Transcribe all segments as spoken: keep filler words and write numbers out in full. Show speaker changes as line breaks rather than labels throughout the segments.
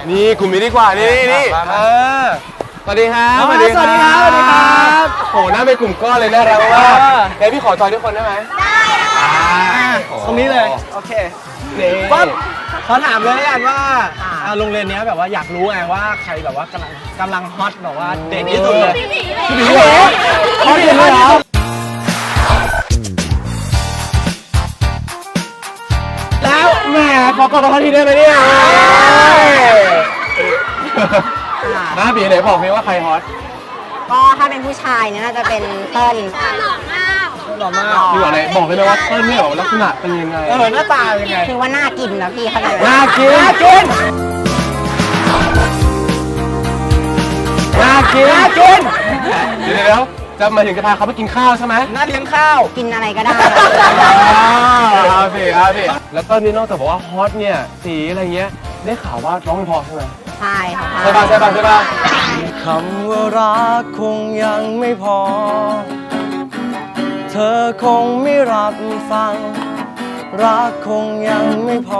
นี่กลุ่มนี้ดีกว่านี่นี่เออสวัสดีครับ
สวัสดีครับสวัสดีครับ
โอ้น่าเป็นกลุ่มก้อนเลยน่ารักมากเดี๋ยวพี่ขอจอยทุกคนได้ไหมได้
ตรงนี้เลยโอเคปั๊บขอถามเลยแล้วกันว่าโรงเรียนนี้แบบว่าอยากรู้ไงว่าใครแบบว่ากำลังกำลังฮอตแบบว่าเด็กที่สุดเลยพี่หมีเหรอฮอตเลยเหรอ
แล้วแหมขอกอดกันทีได้ไหมเนี่ยน้าบีไหนบอกพี่ว่าใครฮอต
ก็ถ้าเป็นผู้ชายเนี่ยน่าจะเป็นเติ้ลหล่อมาก
หล่อมาก
พี่บอกเลยบอกเลยว่าเติ้ลเนี่ยลักษณะเป็นยังไง
เออหน้าตาเป็นยังไง
คือว่าน่ากินนะพี่เขาเลย
น่ากินน่ากินน่ากินน่ากินเดี๋ยวจะมาถึงจะพาเขาไปกินข้าวใช่ไหม
น่าเลี้ยงข้าว
กินอะไรก็ได้
เอาสิเอาสิแล้วเติ้ลนี่นอกจากบอกว่าฮอตเนี่ยสีอะไรเงี้ยได้ข่าวว่าร้องเพอใช่ไหม
ใช่ค่ะ
ใช่ป่ะใช่ป่ะใช่ป่ะ
คำว่ารักคงยังไม่พอเธอคงไม่รับฟังรักคงยังไม่พอ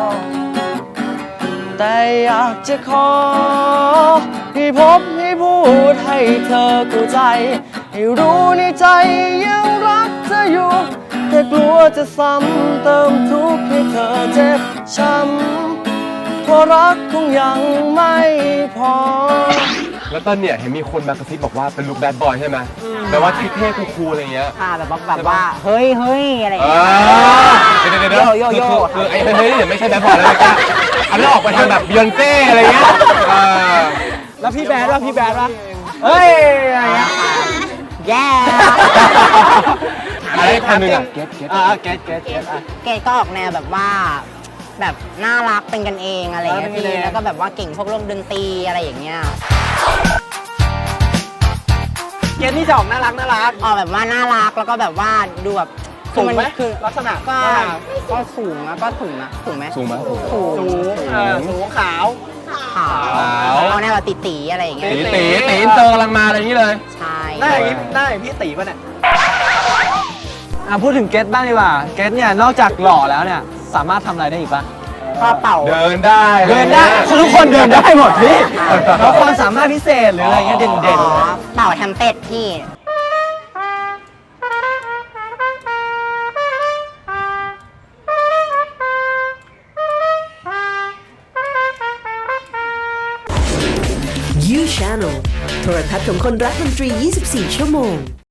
แต่อยากจะขอให้พบให้พูดให้เธอเข้าใจให้รู้ในใจยังรักเธออยู่แต่กลัวจะซ้ำเติมทุกข์ให้เธอเจ็บช้ำเพราะรักคงยังไม่พอ
แล้วตอนเนี่ยเห็นมีคนมากระซิบบอกว่าเป็นลูกแบดบอยใช่ไหมแต่ว่าเท่ๆคูลๆอะไรเงี้ย
ค่ะแบบแบบว่าเฮ้ยเฮ้ยอะไรอย่างเงี้ย
เดี๋ยวเดี๋ยวเดี๋ยวโยโย่คือไอ้เฮ้ยเดี๋ยวไม่ใช่แบดบอยแล้วนะอันนั้นออกไปทางแบบบิยอนเซ่อะไรเงี้ย
แล้วพี่แบดว่าพี่แบดว่าเฮ้ยอะไรเงี้ย
แย่
อะไรคนหนึ่งอ่ะเก็ตเก็ต
อ่าเก็ตเก็ตเก็ตอ่ะ
เกตก็ออกแนวแบบว่าแบบน่ารักเป็นกันเองอะไรอย่างเงี้ยพี่แล้วก็แบบว่าเก่งพวกเรื่องดนตรีอะไรอย่างเงี้ย
เกตนี่จะออกน่ารักน่ารัก
ออกแบบว่าน่ารักแล้วก็แบบว่าดูแบบ
สูงไหมคือลักษณะ
ก็ก็สูงนะก็สูงนะสูงไหม
สูงไหม
สูง
สูงสูงขาว
ขาวเอาแนวแบบตีๆอะไรอย่างเงี้ย
ตีตีตีเตอร์กำลังมาอะไรอย่างนี้เลย
ใช่
หน้าอย่างนี้หน้าอย่างพี่ตีป่ะเนี่ยอ่ะพูดถึงเกตบ้างดีกว่าเกตเนี่ยนอกจากหล่อแล้วเนี่ยสามารถทำอะไรได้อีกป่ะ
ก็เป่า
เดินได้
เดินได้ทุกคนเดินได้หมดพี่เพราะความสามารถพิเศษหรืออะไรเงี้ยเด่น
ๆเป่าแทมเป็ดพี่
ยู Channel โทรทัศน์ของคนรักดนตรียี่สิบสี่ชั่วโมง